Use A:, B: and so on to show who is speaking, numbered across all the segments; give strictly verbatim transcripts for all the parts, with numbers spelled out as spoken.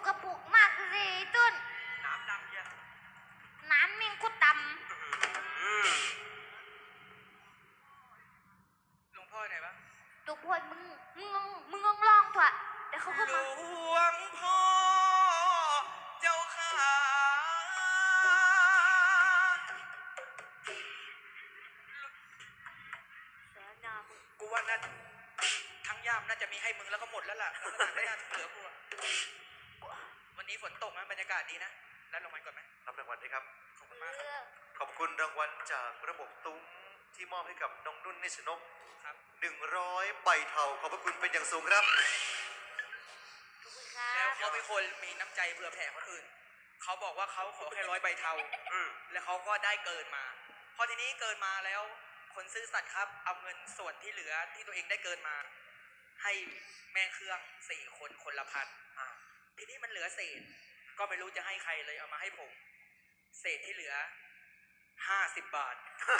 A: ระปุกมากเลยต้น
B: น้ำดำเยอะ
A: น้ำเมงก็ตำ
B: หลวงพ่อไหนบ้าง
A: ตัวพ่อมึงมึงมึงลองเถอะเดี๋ยวเขาก็
B: หล
A: มาว
B: งพ่อเจ้าขา
A: เสียหน้ามึง
B: กูว่าน่าทั้งย่ามน่าจะมีให้มึงแล้วก็หมดแล้วล่ะแล้วไม่น่าเหลือกูวันนี้ฝนตกนะบรรยากาศดีนะแล้วรางวัลก่อนไหม
C: รับรางวัลด้วยครับ
B: ขอบคุณมากครับ
C: ขอบคุณรางวัลจากระบบตุ้มที่มอบให้กับน้องนุ่นนิชนก
B: ครับ
C: หนึ่งร้อยใบเทาขอบพระคุณเป็นอย่างสูงครับ
B: แล้วเขาเป็นคนมีน้ำใจเผื่อแผ่คนอื่นเขาบอกว่าเขาขอแค่ร้อยใบเทาแล้วเขาก็ได้เกินมาพอทีนี้เกินมาแล้วคนซื่อสัตย์ครับเอาเงินส่วนที่เหลือที่ตัวเองได้เกินมาให้แม่เครื่องสี่คนคนละพันทีนี้มันเหลือเศษก็ไม่รู้จะให้ใครเลยเอามาให้ผมเศษที่เหลือห้าสิบบาท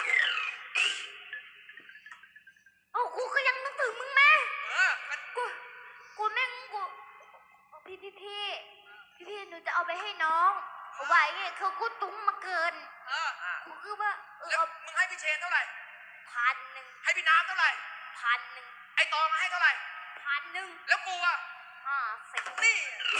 A: โอ้กูก็ยังนึกถึงมึงแม่
B: เออ
A: กูกูแม่งกูพี่พี่พี่พี่พี่หนูจะเอาไปให้น้องเอาไว้เงี้ยเขากูตุ้มมาเกิน
B: เออ
A: กูคือว่าเออ
B: มึงให้พี่เชนเท่าไหร่
A: พันหนึ่ง
B: ให้พี่น้ำเท่าไหร่
A: พันหนึ่ง
B: ไอ้ตองให้เท่าไหร่
A: พันหนึ่ง
B: แล้วกูอ่ะ
A: อ่าสิบ
B: นี่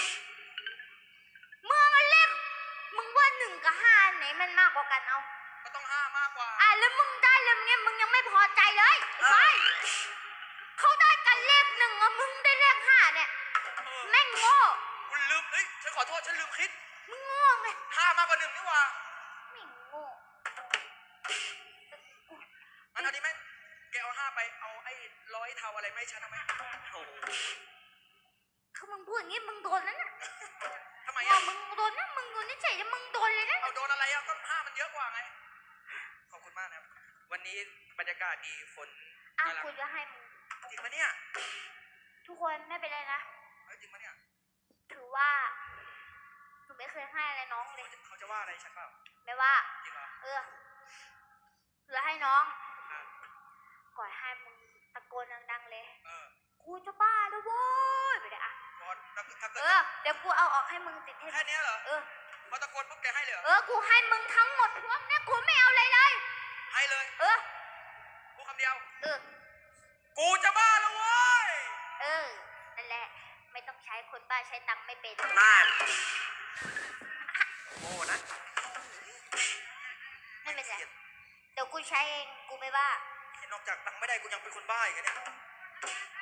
A: มึงเล็กมึงว่าหนึ่งกับห้าไหนมันมากกว่ากันเอา
B: ก็ต้องห้ามากกว่า
A: อ่ะแล้วมึงได้แล้วเงี้ยมึงยังไม่พอใจเลยใช่เขาได้กันเลขหนึ่งอ่ะมึงได้เลขห้าเนี่ยแม่งโง่
B: คุณลืมเอ้ยฉันขอโทษฉันลืมคิด
A: มึงโง่ไง
B: ห้ามากกว่าหนึ่งนี่หว่า
A: ไม่โง่
B: มันเอาดีไหมแกเอาห้าไปเอาไอ้ร้อยเทาอะไรไม่ฉันเอาไหมโอ้
A: คือมึงพูดอย่างงี้มึงโดนแล้วนะ
B: ทำไมอ่ะ
A: มึงโดนนะมึงโดนนี่เฉยมึงโดนเลยนะ
B: เอาโดนอะไรอ่ะก็ห้ามันเยอะกว่าไงขอบคุณมากนะครับวันนี้บรรยากาศดีฝน
A: อ่ะกูจะให้มึง
B: จริงปะเนี่ย
A: ทุกคนไม่เป็นไรนะ
B: จริงปะเนี่ย
A: ถือว่าหนูไม่เคยให้อะไรน้องเลย
B: เขาจะว่าอะไรฉันเปล่า
A: ไม่ว่า
B: จริงเหรอ
A: เออเหลือให้น้องก่อยให้มึงตะโกนดังๆเลย
B: เออ
A: กูจะบ้าแล้วโว้ยไปเลยอ่ะเออเดี๋ยวกูเอาออกให้มึงติดให้
B: แค่นี้เหรอ
A: เออ
B: พอตะโกนปุ๊บแกให้เลย
A: เออกูให้มึงทั้งหมดพวกเนี้ยกูไม่เอาเลยเลย
B: ให้เลย
A: เออ
B: กูคำเดียว
A: เออ
B: กูจะบ้าแล้วเว้ย
A: เออนั่นแหละไม่ต้องใช้คนบ้าใช้ตังค์ไม่เป็น
B: นั่นโง่นะ
A: ไม่เป็นไรเดี๋ยวกูใช้เองกูไม่บ้าน
B: อกจากตังค์ไม่ได้กูยังเป็นคนบ้าอีกเนี่ย